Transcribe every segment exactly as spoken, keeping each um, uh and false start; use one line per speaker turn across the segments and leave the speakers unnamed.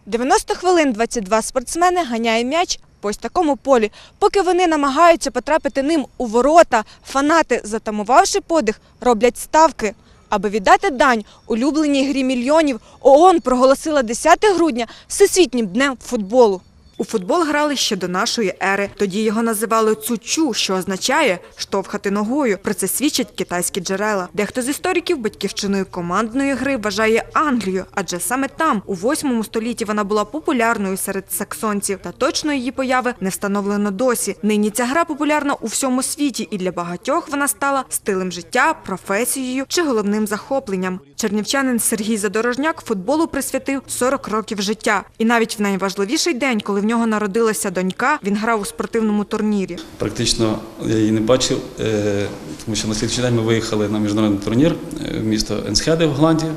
дев'яносто хвилин двадцять два спортсмени ганяє м'яч по ось такому полі. Поки вони намагаються потрапити ним у ворота, фанати, затамувавши подих, роблять ставки. Аби віддати дань улюбленій грі мільйонів, ООН проголосила десяте грудня Всесвітнім днем футболу. У футбол грали ще до нашої ери. Тоді його називали цучу, що означає «штовхати ногою». Про це свідчать китайські джерела. Дехто з істориків батьківщиною командної гри вважає Англію, адже саме там, у восьмому столітті, вона була популярною серед саксонців. Та точно її появи не встановлено досі. Нині ця гра популярна у всьому світі, і для багатьох вона стала стилем життя, професією чи головним захопленням. Чернівчанин Сергій Задорожняк футболу присвятив сорок років життя. І навіть в найважливіший день, коли в нього народилася донька, він грав у спортивному турнірі.
Практично я її не бачив, тому що на слідчий день ми виїхали на міжнародний турнір в місто Енсхеде в Голландії.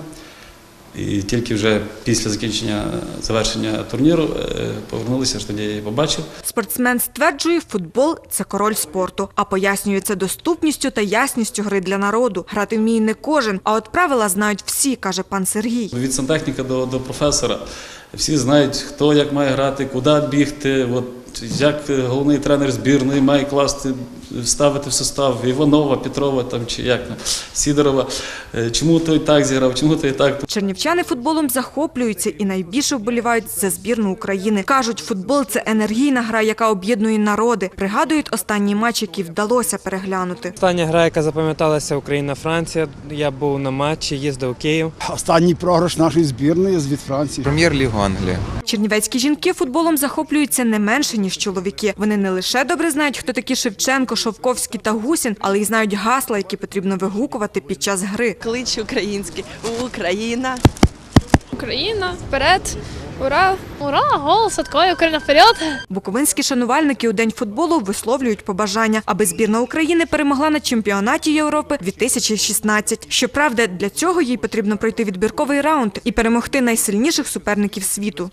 І тільки вже після закінчення, завершення турніру повернулися, аж тоді я її побачив.
Спортсмен стверджує, футбол – це король спорту, а пояснює це доступністю та ясністю гри для народу. Грати вміє не кожен, а от правила знають всі, каже пан Сергій.
Від сантехніка до, до професора всі знають, хто як має грати, куди бігти, от, як головний тренер збірної має класти, ставити в состав Іванова, Петрова там, чи як, Сідорова. Чому той так зіграв, чому той так.
Чернівчани футболом захоплюються і найбільше вболівають за збірну України. Кажуть, футбол – це енергійна гра, яка об'єднує народи. Пригадують останній матч, який вдалося переглянути.
Остання гра, яка запам'яталася, Україна-Франція. Я був на матчі, їздив у Київ.
Останній програш нашої збірної від Франції.
Прем'єр-лігу Англії.
Чернівецькі жінки футболом захоплюються не менше, ніж чоловіки. Вони не лише добре знають, хто такі Шевченко, Шовковський та Гусін, але й знають гасла, які потрібно вигукувати під час гри.
Клич український. Україна.
Україна, вперед, ура, ура, гол, Садко, Україна, вперед.
Буковинські шанувальники у День футболу висловлюють побажання, аби збірна України перемогла на чемпіонаті Європи дві тисячі шістнадцять. Щоправда, для цього їй потрібно пройти відбірковий раунд і перемогти найсильніших суперників світу.